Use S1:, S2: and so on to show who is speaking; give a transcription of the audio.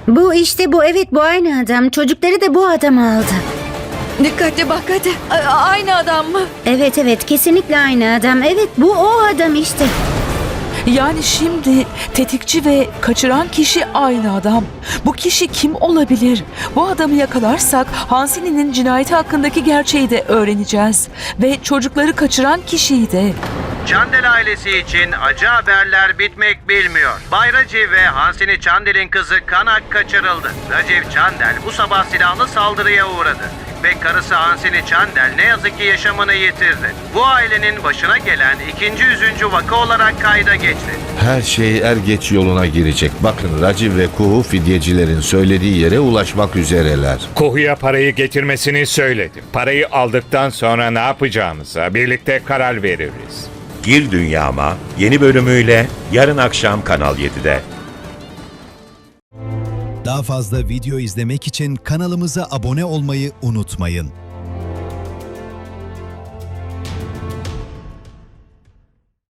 S1: Bu işte bu, evet, bu aynı adam. Çocukları da bu adam aldı.
S2: Dikkatli bak hadi. Aynı adam mı?
S1: Evet evet, kesinlikle aynı adam. Evet, bu o adam işte.
S3: Yani şimdi tetikçi ve kaçıran kişi aynı adam. Bu kişi kim olabilir? Bu adamı yakalarsak Hansini'nin cinayeti hakkındaki gerçeği de öğreneceğiz. Ve çocukları kaçıran kişiyi de.
S4: Çandel ailesi için acı haberler bitmek bilmiyor. Bay Raciv ve Hansini Chandel'in kızı Kanak kaçırıldı. Raciv Chandel bu sabah silahlı saldırıya uğradı. Ve karısı Hansini Chandel ne yazık ki yaşamını yitirdi. Bu ailenin başına gelen ikinci üzüncü vaka olarak kayda geçti.
S5: Her şey er geç yoluna girecek. Bakın Raciv ve Kuhu fidyecilerin söylediği yere ulaşmak üzereler.
S6: Kuhu'ya parayı getirmesini söyledim. Parayı aldıktan sonra ne yapacağımıza birlikte karar veririz.
S7: Gir Dünyama yeni bölümüyle yarın akşam Kanal 7'de.
S8: Daha fazla video izlemek için kanalımıza abone olmayı unutmayın.